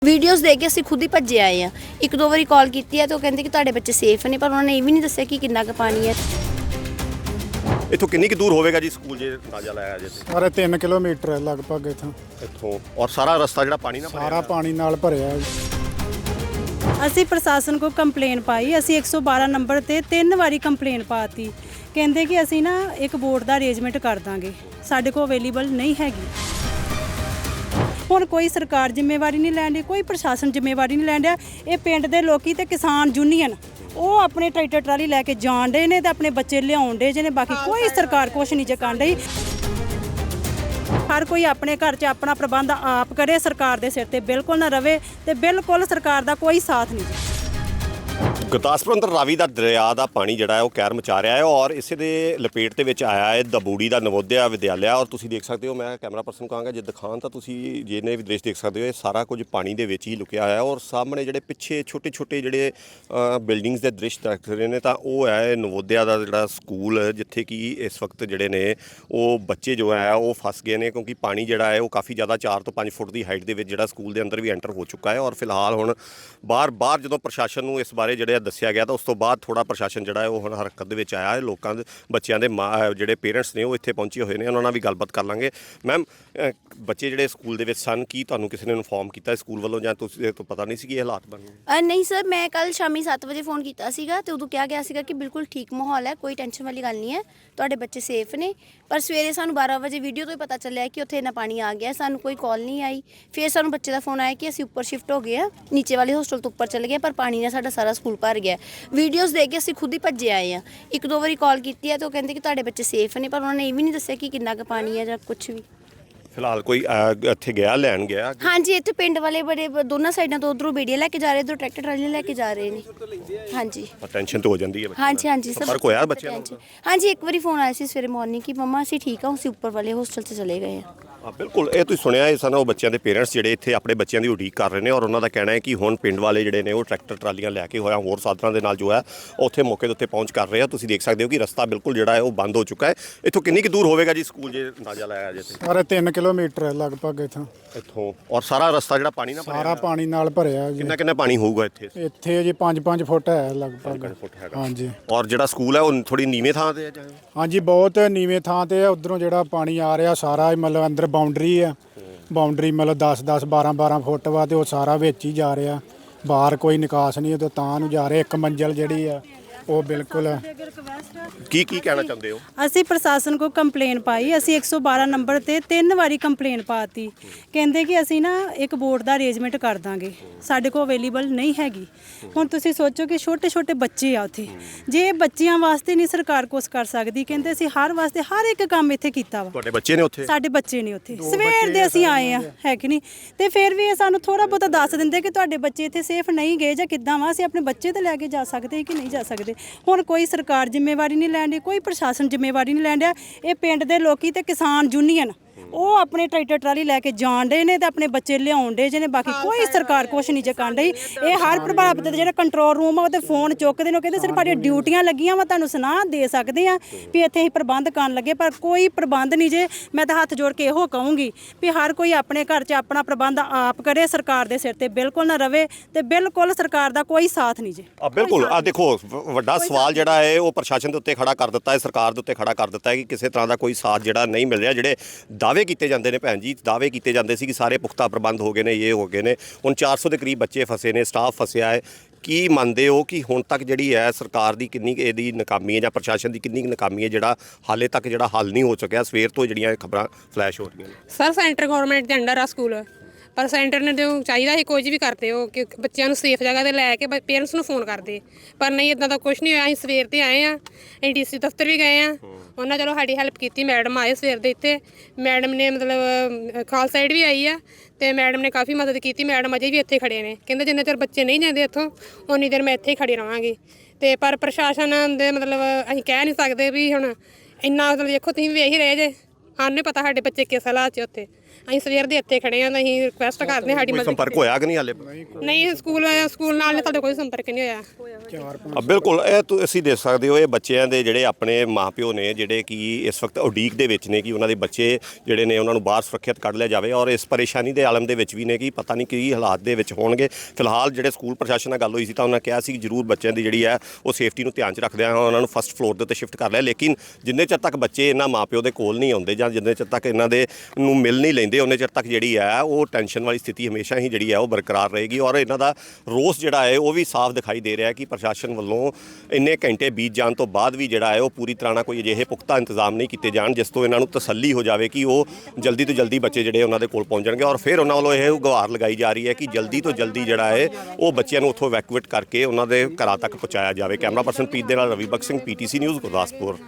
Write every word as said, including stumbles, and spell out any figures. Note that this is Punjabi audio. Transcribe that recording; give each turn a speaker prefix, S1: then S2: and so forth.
S1: ਵੀਡੀਓਜ਼ ਦੇਖ ਕੇ ਅਸੀਂ ਖੁਦ ਹੀ ਭੱਜੇ ਆਏ ਆ। ਇੱਕ ਦੋ ਵਾਰੀ ਕਾਲ ਕੀਤੀ ਹੈ ਤੇ ਉਹ ਕਹਿੰਦੇ ਕਿ ਤੁਹਾਡੇ ਬੱਚੇ ਸੇਫ ਨੇ, ਪਰ ਉਹਨਾਂ ਨੇ ਇਹ ਵੀ ਨਹੀਂ ਦੱਸਿਆ ਕਿ ਕਿੰਨਾ ਕੁ ਪਾਣੀ ਹੈ।
S2: ਇੱਥੋਂ ਕਿੰਨੀ ਕੁ ਦੂਰ ਹੋਵੇਗਾ ਜੀ ਸਕੂਲ ਜੇ ਅੰਦਾਜ਼ਾ ਲਾਇਆ ਜੇ ਤੇ?
S3: ਸਾਰੇ ਤਿੰਨ ਕਿਲੋਮੀਟਰ ਹੈ ਲਗਭਗ ਇੱਥੋਂ।
S2: ਇੱਥੋਂ ਔਰ ਸਾਰਾ ਰਸਤਾ ਜਿਹੜਾ ਪਾਣੀ ਨਾਲ ਭਰਿਆ
S3: ਸਾਰਾ ਪਾਣੀ ਨਾਲ ਭਰਿਆ ਹੈ।
S4: ਅਸੀਂ ਪ੍ਰਸ਼ਾਸਨ ਕੋ ਕੰਪਲੇਨ ਪਾਈ। ਅਸੀਂ ਇੱਕ ਸੌ ਬਾਰਾਂ ਨੰਬਰ ਤੇ ਤਿੰਨ ਵਾਰੀ ਕੰਪਲੇਨ ਪਾਤੀ। ਕਹਿੰਦੇ ਕਿ ਅਸੀਂ ਨਾ ਇੱਕ ਬੋਟ ਦਾ ਅਰੇਂਜਮੈਂਟ ਕਰ ਦਾਂਗੇ, ਸਾਡੇ ਕੋਲ ਅਵੇਲੇਬਲ ਨਹੀਂ ਹੈਗੀ। ਹੁਣ ਕੋਈ ਸਰਕਾਰ ਜ਼ਿੰਮੇਵਾਰੀ ਨਹੀਂ ਲੈਣ ਡਈ, ਕੋਈ ਪ੍ਰਸ਼ਾਸਨ ਜ਼ਿੰਮੇਵਾਰੀ ਨਹੀਂ ਲੈਣ ਡਿਆ। ਇਹ ਪਿੰਡ ਦੇ ਲੋਕੀ ਤੇ ਕਿਸਾਨ ਯੂਨੀਅਨ ਉਹ ਆਪਣੇ ਟਰੈਕਟਰ ਟਰਾਲੀ ਲੈ ਕੇ ਜਾਣ ਡੇ ਨੇ ਤੇ ਆਪਣੇ ਬੱਚੇ ਲਿਆਉਣ ਡੇ ਜਿਹਨੇ, ਬਾਕੀ ਕੋਈ ਸਰਕਾਰ ਕੁਛ ਨਹੀਂ ਜੇ ਕਰਨ ਡਈ। ਹਰ ਕੋਈ ਆਪਣੇ ਘਰ 'ਚ ਆਪਣਾ ਪ੍ਰਬੰਧ ਆਪ ਕਰੇ, ਸਰਕਾਰ ਦੇ ਸਿਰ ਤੇ ਬਿਲਕੁਲ ਨਾ ਰਵੇ ਤੇ ਬਿਲਕੁਲ ਸਰਕਾਰ ਦਾ ਕੋਈ ਸਾਥ ਨਹੀਂ।
S2: ਗੁਰਦਾਸਪੁਰ ਅੰਦਰ ਰਾਵੀ ਦਾ ਦਰਿਆ ਦਾ ਪਾਣੀ ਜਿਹੜਾ ਹੈ ਉਹ ਕਹਿਰ ਮਚਾ ਰਿਹਾ ਹੈ ਔਰ ਇਸੇ ਦੇ ਲਪੇਟ ਦੇ ਵਿੱਚ ਆਇਆ ਹੈ ਦਬੂੜੀ ਦਾ ਨਵੋਦਿਆ ਵਿਦਿਆਲਿਆ। ਔਰ ਤੁਸੀਂ ਦੇਖ ਸਕਦੇ ਹੋ, ਮੈਂ ਕੈਮਰਾ ਪਰਸਨ ਕਹਾਂਗਾ ਜੇ ਦਿਖਾਣ ਤਾਂ ਤੁਸੀਂ ਜਿਹਨੇ ਵੀ ਦ੍ਰਿਸ਼ ਦੇਖ ਸਕਦੇ ਹੋ, ਇਹ ਸਾਰਾ ਕੁਝ ਪਾਣੀ ਦੇ ਵਿੱਚ ਹੀ ਲੁਕਿਆ ਹੋਇਆ ਔਰ ਸਾਹਮਣੇ ਜਿਹੜੇ ਪਿੱਛੇ ਛੋਟੇ ਛੋਟੇ ਜਿਹੜੇ ਬਿਲਡਿੰਗਸ ਦੇ ਦ੍ਰਿਸ਼ ਦੇਖ ਰਹੇ ਨੇ ਤਾਂ ਉਹ ਹੈ ਨਵੋਦਿਆ ਦਾ ਜਿਹੜਾ ਸਕੂਲ, ਜਿੱਥੇ ਕਿ ਇਸ ਵਕਤ ਜਿਹੜੇ ਨੇ ਉਹ ਬੱਚੇ ਜੋ ਹੈ ਉਹ ਫਸ ਗਏ ਨੇ, ਕਿਉਂਕਿ ਪਾਣੀ ਜਿਹੜਾ ਹੈ ਉਹ ਕਾਫੀ ਜ਼ਿਆਦਾ ਚਾਰ ਤੋਂ ਪੰਜ ਫੁੱਟ ਦੀ ਹਾਈਟ ਦੇ ਵਿੱਚ ਜਿਹੜਾ ਸਕੂਲ ਦੇ ਅੰਦਰ ਵੀ ਐਂਟਰ ਹੋ ਚੁੱਕਾ ਹੈ। ਔਰ ਫਿਲਹਾਲ ਹੁਣ ਬਾਹਰ ਬਾਹਰ ਜਦੋਂ ਪ੍ਰਸ਼ਾਸਨ ਨੂੰ ਇਸ ਬਾਰੇ ਜਿਹੜੇ ਦੱਸਿਆ ਗਿਆ ਤਾਂ ਉਸ ਤੋਂ ਬਾਅਦ ਥੋੜਾ ਪ੍ਰਸ਼ਾਸਨ ਜਿਹੜਾ ਹੈ ਉਹ ਹੁਣ ਹਰਕਤ ਦੇ ਵਿੱਚ ਆਇਆ ਹੈ। ਲੋਕਾਂ ਦੇ ਬੱਚਿਆਂ ਦੇ ਜਿਹੜੇ ਪੇਰੈਂਟਸ ਨੇ ਉਹ ਇੱਥੇ ਪਹੁੰਚੇ ਹੋਏ ਨੇ, ਉਹਨਾਂ ਨਾਲ ਵੀ ਗੱਲਬਾਤ ਕਰ ਲਾਂਗੇ। ਮੈਮ, ਬੱਚੇ ਜਿਹੜੇ ਸਕੂਲ ਦੇ ਵਿੱਚ ਸਨ, ਕੀ ਤੁਹਾਨੂੰ ਕਿਸੇ ਨੇ ਇਨਫੋਰਮ ਕੀਤਾ ਸਕੂਲ ਵੱਲੋਂ ਜਾਂ ਤੁਸੀਂ ਤੋਂ ਪਤਾ ਨਹੀਂ ਸੀ ਕਿ ਇਹ ਹਾਲਾਤ ਬਣੇ?
S1: ਨਹੀਂ ਸਰ, ਮੈਂ ਕੱਲ ਸ਼ਾਮੀ ਸੱਤ ਵਜੇ ਫੋਨ ਕੀਤਾ ਸੀਗਾ ਤੇ ਉਦੋਂ ਕਿਹਾ ਗਿਆ ਸੀਗਾ ਕਿ ਬਿਲਕੁਲ ਠੀਕ ਮਾਹੌਲ ਹੈ, ਕੋਈ ਟੈਨਸ਼ਨ ਵਾਲੀ ਗੱਲ ਨਹੀਂ ਹੈ, ਤੁਹਾਡੇ ਬੱਚੇ ਸੇਫ ਨੇ। ਪਰ ਸਵੇਰੇ ਸਾਨੂੰ ਬਾਰਾਂ ਵਜੇ ਵੀਡੀਓ ਤੋਂ ਹੀ ਪਤਾ ਚੱਲਿਆ ਕਿ ਉੱਥੇ ਇੰਨਾ ਪਾਣੀ ਆ ਗਿਆ, ਸਾਨੂੰ ਕੋਈ ਕਾਲ ਨਹੀਂ ਆਈ। ਫਿਰ ਸਾਨੂੰ ਬੱਚੇ ਦਾ ਫੋਨ ਆਇਆ ਕਿ ਅਸੀਂ ਉੱਪਰ ਸ਼ਿਫਟ ਹੋ ਗਏ ਆ, ਨੀਚੇ ਵਾਲੇ ਹੋਸਟਲ ਤੋਂ ਉੱਪਰ ਚਲੇ ਗਏ, ਪਰ ਪਾਣੀ ਨਾਲ ਸਾਡਾ ਸਾਰਾ ਸਕੂਲ ਭਰ ਗਿਆ। ਵੀਡੀਓਜ਼ ਦੇਖ ਕੇ ਅਸੀਂ ਖੁਦ ਹੀ ਭੱਜੇ ਆਏ ਆ। ਇੱਕ ਦੋ ਵਾਰੀ ਕਾਲ ਕੀਤੀ ਹੈ ਤੇ ਉਹ ਕਹਿੰਦੇ ਕਿ ਤੁਹਾਡੇ ਬੱਚੇ ਸੇਫ ਨੇ, ਪਰ ਉਹਨਾਂ ਨੇ ਇਹ ਵੀ ਨਹੀਂ ਦੱਸਿਆ ਕਿ ਕਿੰਨਾ ਕੁ ਪਾਣੀ ਹੈ ਜਾਂ ਕੁਝ ਵੀ।
S2: ਫਿਲਹਾਲ ਕੋਈ ਇੱਥੇ ਗਿਆ ਲੈਣ ਗਿਆ?
S1: ਹਾਂਜੀ, ਇੱਥੇ ਪਿੰਡ ਵਾਲੇ ਬੜੇ ਦੋਨਾਂ ਸਾਈਡਾਂ ਤੋਂ ਉਧਰੋਂ ਬੇੜੀਆਂ ਲੈ ਕੇ ਜਾ ਰਹੇ, ਇੱਧਰੋਂ ਟਰੈਕਟਰ ਟਰਾਲੀ ਲੈ ਕੇ ਜਾ ਰਹੇ ਨੇ। ਹਾਂਜੀ,
S2: ਟੈਨਸ਼ਨ ਤਾਂ ਹੋ ਜਾਂਦੀ ਹੈ।
S1: ਹਾਂਜੀ ਹਾਂਜੀ ਸਰ,
S2: ਫਰਕ ਹੋਇਆ ਬੱਚਿਆਂ ਨੂੰ?
S1: ਹਾਂਜੀ, ਇੱਕ ਵਾਰੀ ਫੋਨ ਆਇਆ ਸੀ ਸਵੇਰੇ ਮਾਰਨਿੰਗ ਕਿ ਮੰਮਾ ਅਸੀਂ ਠੀਕ ਹਾਂ, ਅਸੀਂ ਉੱਪਰ ਵਾਲੇ ਹੋਸਟਲ 'ਚ ਚਲੇ ਗਏ ਹਾਂ।
S2: ਹਾਂ ਬਿਲਕੁਲ, ਇਹ ਤੁਸੀਂ ਸੁਣਿਆ ਇਹ ਸਨ ਉਹ ਬੱਚਿਆਂ ਦੇ ਪੇਰੈਂਟਸ ਜਿਹੜੇ ਇੱਥੇ ਆਪਣੇ ਬੱਚਿਆਂ ਦੀ ਉਡੀਕ ਕਰ ਰਹੇ ਨੇ ਔਰ ਉਹਨਾਂ ਦਾ ਕਹਿਣਾ ਹੈ ਕਿ ਹੁਣ ਪਿੰਡ ਵਾਲੇ ਜਿਹੜੇ ਨੇ ਉਹ ਟਰੈਕਟਰ ਟਰਾਲੀਆਂ ਲੈ ਕੇ ਹੋਇਆ ਹੋਰ ਸਾਧਨਾਂ ਦੇ ਨਾਲ ਜੋ ਹੈ ਉੱਥੇ ਮੌਕੇ ਦੇ ਉੱਤੇ ਪਹੁੰਚ ਕਰ ਰਹੇ ਆ। ਤੁਸੀਂ ਦੇਖ ਸਕਦੇ ਹੋ ਕਿ ਰਸਤਾ ਬਿਲਕੁਲ ਜਿਹੜਾ ਹੈ ਉਹ ਬੰਦ ਹੋ ਚੁੱਕਾ ਹੈ। ਇੱਥੋਂ ਕਿੰਨੀ ਕੁ ਦੂਰ ਹੋਵੇਗਾ ਜੀ ਸਕੂਲ ਜੇ ਅੰਦਾਜ਼ਾ ਲਾਇਆ ਜੇ ਤੇ?
S3: ਸਾਰੇ ਤਿੰਨ ਕਿਲੋਮੀਟਰ ਹੈ ਲਗਭਗ ਇੱਥੋਂ।
S2: ਇੱਥੋਂ ਔਰ ਸਾਰਾ ਰਸਤਾ ਜਿਹੜਾ ਪਾਣੀ ਨਾਲ
S3: ਸਾਰਾ ਪਾਣੀ ਨਾਲ ਭਰਿਆ ਹੈ ਜੀ।
S2: ਕਿੰਨਾ ਕਿੰਨਾ ਪਾਣੀ ਹੋਊਗਾ ਇੱਥੇ?
S3: ਇੱਥੇ ਜੀ ਪੰਜ ਪੰਜ ਫੁੱਟ ਹੈ ਲਗਭਗ।
S2: ਫੁੱਟ ਹੈਗਾ।
S3: ਹਾਂਜੀ।
S2: ਔਰ ਜਿਹੜਾ ਸਕੂਲ ਹੈ ਉਹ ਥੋੜੀ ਨੀਵੇਂ ਥਾਂ ਤੇ ਹੈ?
S3: ਹਾਂਜੀ, ਬਹੁਤ ਨੀਵੇਂ ਥਾਂ ਤੇ ਹੈ। ਉਧਰੋਂ ਜਿਹੜਾ ਪਾਣੀ ਆ ਰਿਹਾ ਸਾਰਾ ਮਤਲਬ ਅੰਦਰ ਬਾਉਂਡਰੀ ਆ, ਬਾਉਂਡਰੀ ਮਤਲਬ ਦਸ ਦਸ ਬਾਰਾਂ ਬਾਰਾਂ ਫੁੱਟ ਵਾ ਤੇ ਉਹ ਸਾਰਾ ਵਿੱਚ ਹੀ ਜਾ ਰਿਹਾ, ਬਾਹਰ ਕੋਈ ਨਿਕਾਸ ਨਹੀਂ, ਉਹ ਤਾਂ ਨੂੰ ਜਾ ਰਿਹਾ। ਇੱਕ ਮੰਜ਼ਲ ਜਿਹੜੀ ਆ ਉਹ ਬਿਲਕੁਲ।
S2: ਕੀ ਕੀ ਕਹਿਣਾ ਚਾਹੁੰਦੇ ਹੋ?
S4: ਅਸੀਂ ਪ੍ਰਸ਼ਾਸਨ ਕੋ ਕੰਪਲੇਨ ਪਾਈ। ਅਸੀਂ ਇੱਕ ਸੌ ਬਾਰਾਂ ਨੰਬਰ ਤੇ ਤਿੰਨ ਵਾਰੀ ਕੰਪਲੇਨ ਪਾਤੀ। ਕਹਿੰਦੇ ਕਿ ਅਸੀਂ ਨਾ ਇੱਕ ਬੋਟ ਦਾ ਅਰੇਂਜਮੈਂਟ ਕਰ ਦਾਂਗੇ, ਸਾਡੇ ਕੋਲ ਅਵੇਲੇਬਲ ਨਹੀਂ ਹੈਗੀ। ਹੁਣ ਤੁਸੀਂ ਸੋਚੋ ਕਿ ਛੋਟੇ ਛੋਟੇ ਬੱਚੇ ਆ ਉੱਥੇ, ਜੇ ਬੱਚਿਆਂ ਵਾਸਤੇ ਨਹੀਂ ਸਰਕਾਰ ਕੁਛ ਕਰ ਸਕਦੀ, ਕਹਿੰਦੇ ਅਸੀਂ ਹਰ ਵਾਸਤੇ ਹਰ ਇੱਕ ਕੰਮ ਇੱਥੇ ਕੀਤਾ ਵਾ।
S2: ਤੁਹਾਡੇ ਬੱਚੇ ਨੇ ਉੱਥੇ?
S4: ਸਾਡੇ ਬੱਚੇ ਨੇ ਉੱਥੇ, ਸਵੇਰ ਦੇ ਅਸੀਂ ਆਏ ਆ, ਹੈ ਕਿ ਨਹੀਂ? ਤੇ ਫਿਰ ਵੀ ਇਹ ਸਾਨੂੰ ਥੋੜਾ ਬਹੁਤਾ ਦੱਸ ਦਿੰਦੇ ਕਿ ਤੁਹਾਡੇ ਬੱਚੇ ਇੱਥੇ ਸੇਫ ਨਹੀਂ ਗਏ ਜਾਂ ਕਿੱਦਾਂ ਵਾ, ਅਸੀਂ ਆਪਣੇ ਬੱਚੇ ਤੇ ਲੈ ਕੇ ਜਾ ਸਕਦੇ ਕਿ ਨਹੀਂ ਜਾ ਸਕਦੇ। ਹੁਣ ਕੋਈ ਸਰਕਾਰ ਜ਼ਿੰਮੇਵਾਰੀ ਨਹੀਂ ਲੈਣ ਡਈ, ਕੋਈ ਪ੍ਰਸ਼ਾਸਨ ਜ਼ਿੰਮੇਵਾਰੀ ਨਹੀਂ ਲੈਣ ਡਿਆ। ਇਹ ਪਿੰਡ ਦੇ ਲੋਕੀ ਤੇ ਕਿਸਾਨ ਯੂਨੀਅਨ ਉਹ ਆਪਣੇ ਟਰੈਕਟਰ ਟਰਾਲੀ ਲੈ ਕੇ ਜਾਣ ਡੇ ਨੇ ਤੇ ਆਪਣੇ ਬੱਚੇ ਲਿਆਉਣ ਡੇ ਜਿਹਨੇ, ਬਾਕੀ ਕੋਈ ਸਰਕਾਰ ਕੁਛ ਨਹੀਂ ਜੇ ਕਰਨ ਡਈ। ਇਹ ਹਰ ਪ੍ਰਭਾਵਿਤ ਦੇ ਜਿਹੜਾ ਕੰਟਰੋਲ ਰੂਮ ਆ ਉਹਦੇ ਫੋਨ ਚੁੱਕਦੇ ਨੇ, ਉਹ ਕਹਿੰਦੇ ਸਿਰਫ ਸਾਡੀਆਂ ਡਿਊਟੀਆਂ ਲੱਗੀਆਂ ਵਾ, ਤੁਹਾਨੂੰ ਸੁਨਾਹ ਦੇ ਸਕਦੇ ਆ ਵੀ ਇੱਥੇ ਅਸੀਂ ਪ੍ਰਬੰਧ ਕਰਨ ਲੱਗੇ, ਪਰ ਕੋਈ ਪ੍ਰਬੰਧ ਨਹੀਂ ਜੇ। ਮੈਂ ਤਾਂ ਹੱਥ ਜੋੜ ਕੇ ਇਹੋ ਕਹੂੰਗੀ ਵੀ ਹਰ ਕੋਈ ਆਪਣੇ ਘਰ 'ਚ ਆਪਣਾ ਪ੍ਰਬੰਧ ਆਪ ਕਰੇ, ਸਰਕਾਰ ਦੇ ਸਿਰ ਤੇ ਬਿਲਕੁਲ ਨਾ ਰਵੇ ਤੇ ਬਿਲਕੁਲ ਸਰਕਾਰ ਦਾ ਕੋਈ ਸਾਥ ਨਹੀਂ ਜੇ।
S2: ਆ ਬਿਲਕੁਲ, ਆ ਦੇਖੋ ਵੱਡਾ ਸਵਾਲ ਜਿਹੜਾ ਹੈ ਉਹ ਪ੍ਰਸ਼ਾਸਨ ਦੇ ਉੱਤੇ ਖੜਾ ਕਰ ਦਿੱਤਾ ਹੈ, ਸਰਕਾਰ ਦੇ ਉੱਤੇ ਖੜਾ ਕਰ ਦਿੱਤਾ ਹੈ ਕਿ ਕਿਸੇ ਤਰ੍ਹਾਂ ਦਾ ਕੋਈ ਸਾਥ ਜਿਹੜਾ ਨਹੀਂ ਮਿਲ ਰਿਹਾ। ਜਿਹੜੇ ਦਾਅਵੇ ਕੀਤੇ ਜਾਂਦੇ ਨੇ ਭੈਣ ਜੀ, ਦਾਅਵੇ ਕੀਤੇ ਜਾਂਦੇ ਸੀ ਕਿ ਸਾਰੇ ਪੁਖਤਾ ਪ੍ਰਬੰਧ ਹੋ ਗਏ ਨੇ, ਇਹ ਹੋ ਗਏ ਨੇ, ਹੁਣ ਚਾਰ ਸੌ ਦੇ ਕਰੀਬ ਬੱਚੇ ਫਸੇ ਨੇ, ਸਟਾਫ ਫਸਿਆ ਹੈ। ਕੀ ਮੰਨਦੇ ਹੋ ਕਿ ਹੁਣ ਤੱਕ ਜਿਹੜੀ ਹੈ ਸਰਕਾਰ ਦੀ ਕਿੰਨੀ ਇਹਦੀ ਨਾਕਾਮੀ ਹੈ ਜਾਂ ਪ੍ਰਸ਼ਾਸਨ ਦੀ ਕਿੰਨੀ ਨਾਕਾਮੀ ਹੈ, ਜਿਹੜਾ ਹਾਲੇ ਤੱਕ ਜਿਹੜਾ ਹੱਲ ਨਹੀਂ ਹੋ ਸਕਿਆ? ਸਵੇਰ ਤੋਂ ਜਿਹੜੀਆਂ ਖਬਰਾਂ ਫਲੈਸ਼ ਹੋ ਰਹੀਆਂ ਨੇ।
S5: ਸਰ, ਸੈਂਟਰ ਗਵਰਨਮੈਂਟ ਦੇ ਅੰਡਰ ਆ ਸਕੂਲ, ਪਰ ਸੈਂਟਰ ਨੇ ਜੋ ਚਾਹੀਦਾ ਸੀ ਕੁਝ ਵੀ ਕਰਦੇ ਹੋ ਕਿ ਬੱਚਿਆਂ ਨੂੰ ਸੇਫ ਜਗ੍ਹਾ 'ਤੇ ਲੈ ਕੇ ਪੇਰੈਂਟਸ ਨੂੰ ਫੋਨ ਕਰਦੇ, ਪਰ ਨਹੀਂ, ਇੱਦਾਂ ਦਾ ਕੁਛ ਨਹੀਂ ਹੋਇਆ। ਅਸੀਂ ਸਵੇਰ 'ਤੇ ਆਏ ਹਾਂ, ਅਸੀਂ ਡੀ ਸੀ ਦਫ਼ਤਰ ਵੀ ਗਏ ਹਾਂ, ਉਹਨਾਂ ਚਲੋ ਸਾਡੀ ਹੈਲਪ ਕੀਤੀ। ਮੈਡਮ ਆਏ ਸਵੇਰ ਦੇ ਇੱਥੇ, ਮੈਡਮ ਨੇ ਮਤਲਬ ਖਾਲਸਾ ਸਾਈਡ ਵੀ ਆਈ ਆ ਤੇ ਮੈਡਮ ਨੇ ਕਾਫੀ ਮਦਦ ਕੀਤੀ। ਮੈਡਮ ਅਜੇ ਵੀ ਇੱਥੇ ਖੜੇ ਨੇ, ਕਹਿੰਦੇ ਜਿੰਨੇ ਚਿਰ ਬੱਚੇ ਨਹੀਂ ਜਾਂਦੇ ਇੱਥੋਂ ਉਨੀ ਦੇਰ ਮੈਂ ਇੱਥੇ ਹੀ ਖੜੀ ਰਹਾਂਗੀ। ਤੇ ਪਰ ਪ੍ਰਸ਼ਾਸਨ ਦੇ ਮਤਲਬ ਅਸੀਂ ਕਹਿ ਨਹੀਂ ਸਕਦੇ ਵੀ ਹੁਣ ਇੰਨਾ, ਮਤਲਬ ਦੇਖੋ ਤੁਸੀਂ ਵੇਖ ਹੀ ਰਹੇ ਜੇ, ਸਾਨੂੰ ਨਹੀਂ ਪਤਾ ਸਾਡੇ ਬੱਚੇ ਕਿਸ ਹਾਲਾਤ 'ਚ ਉੱਥੇ, ਅਸੀਂ ਸਵੇਰ ਦੇ ਇੱਥੇ ਖੜੇ ਹਾਂ ਤਾਂ ਅਸੀਂ ਰਿਕੁਐਸਟ ਕਰਦੇ ਹਾਂ ਸਾਡੀ
S2: ਕੋਈ
S5: ਮਦਦ
S2: ਸੰਪਰਕ ਹੋਇਆ ਕਿ ਨਹੀਂ ਹਾਲੇ
S5: ਨਹੀਂ ਸਕੂਲ ਸਕੂਲ ਨਾਲ ਸਾਡੇ ਕੋਈ ਸੰਪਰਕ ਨਹੀਂ ਹੋਇਆ
S2: ਅ, ਬਿਲਕੁਲ ਇਹ ਤੁਸੀਂ ਦੇਖ ਸਕਦੇ ਹੋ ਇਹ ਬੱਚਿਆਂ ਦੇ ਜਿਹੜੇ ਆਪਣੇ ਮਾਪਿਓ ਨੇ ਜਿਹੜੇ ਕਿ ਇਸ ਵਕਤ ਉਡੀਕ ਦੇ ਵਿੱਚ ਨੇ ਕਿ ਉਹਨਾਂ ਦੇ ਬੱਚੇ ਜਿਹੜੇ ਨੇ ਉਹਨਾਂ ਨੂੰ ਬਾਹਰ ਸੁਰੱਖਿਅਤ ਕੱਢ ਲਿਆ ਜਾਵੇ ਔਰ ਇਸ ਪਰੇਸ਼ਾਨੀ ਦੇ ਆਲਮ ਦੇ ਵਿੱਚ ਵੀ ਨੇ ਕਿ ਪਤਾ ਨਹੀਂ ਕੀ ਹਾਲਾਤ ਦੇ ਵਿੱਚ ਹੋਣਗੇ। ਫਿਲਹਾਲ ਜਿਹੜੇ ਸਕੂਲ ਪ੍ਰਸ਼ਾਸਨ ਨਾਲ ਗੱਲ ਹੋਈ ਸੀ ਤਾਂ ਉਹਨਾਂ ਕਿਹਾ ਸੀ ਕਿ ਜ਼ਰੂਰ ਬੱਚਿਆਂ ਦੀ ਜਿਹੜੀ ਹੈ ਉਹ ਸੇਫਟੀ ਨੂੰ ਧਿਆਨ 'ਚ ਰੱਖਦਿਆਂ ਉਹਨਾਂ ਨੂੰ ਫਸਟ ਫਲੋਰ ਦੇ ਉੱਤੇ ਸ਼ਿਫਟ ਕਰ ਲਿਆ, ਲੇਕਿਨ ਜਿੰਨੇ ਚਿਰ ਤੱਕ ਬੱਚੇ ਇਹਨਾਂ ਮਾਪਿਓ ਦੇ ਕੋਲ ਨਹੀਂ ਆਉਂਦੇ ਜਾਂ ਜਿੰਨੇ ਚਿਰ ਤੱਕ ਇਹਨਾਂ ਦੇ ਨੂੰ ਮਿਲ ਨਹੀਂ ਲੈਂਦੇ ਉਹਨੇ ਚਿਰ ਤੱਕ ਜਿਹੜੀ ਹੈ ਉਹ ਟੈਨਸ਼ਨ ਵਾਲੀ ਸਥਿਤੀ ਹਮੇਸ਼ਾ ਹੀ ਜਿਹੜੀ ਹੈ ਉਹ ਬਰਕਰਾਰ ਰਹੇਗੀ ਔਰ ਇਹਨਾਂ ਦਾ ਰੋਸ ਜਿਹੜਾ ਹੈ ਉਹ ਵੀ ਸਾਫ਼ ਦਿਖਾਈ ਦੇ ਰਿਹਾ ਕਿ ਪ੍ਰਸ਼ਾਸਨ ਵੱਲੋਂ ਇੰਨੇ ਘੰਟੇ ਬੀਤ ਜਾਣ ਤੋਂ ਬਾਅਦ ਵੀ ਜਿਹੜਾ ਹੈ ਉਹ ਪੂਰੀ ਤਰ੍ਹਾਂ ਨਾਲ ਕੋਈ ਅਜਿਹੇ ਪੁਖਤਾ ਇੰਤਜ਼ਾਮ ਨਹੀਂ ਕੀਤੇ ਜਾਣ ਜਿਸ ਤੋਂ ਇਹਨਾਂ ਨੂੰ ਤਸੱਲੀ ਹੋ ਜਾਵੇ ਕਿ ਉਹ ਜਲਦੀ ਤੋਂ ਜਲਦੀ ਬੱਚੇ ਜਿਹੜੇ ਉਹਨਾਂ ਦੇ ਕੋਲ ਪਹੁੰਚ ਜਾਣਗੇ ਔਰ ਫਿਰ ਉਹਨਾਂ ਵੱਲੋਂ ਇਹ ਗੁਹਾਰ ਲਗਾਈ ਜਾ ਰਹੀ ਹੈ ਕਿ ਜਲਦੀ ਤੋਂ ਜਲਦੀ ਜਿਹੜਾ ਹੈ ਉਹ ਬੱਚਿਆਂ ਨੂੰ ਉੱਥੋਂ ਇਵੈਕੂਏਟ ਕਰਕੇ ਉਹਨਾਂ ਦੇ ਘਰਾਂ ਤੱਕ ਪਹੁੰਚਾਇਆ ਜਾਵੇ। ਕੈਮਰਾ ਪਰਸਨ ਪੀਤ ਦੇ ਨਾਲ ਰਵੀ ਬਖਸ਼ ਸਿੰਘ, ਪੀਟੀਸੀ ਨਿਊਜ਼ ਗੁਰਦਾਸਪੁਰ।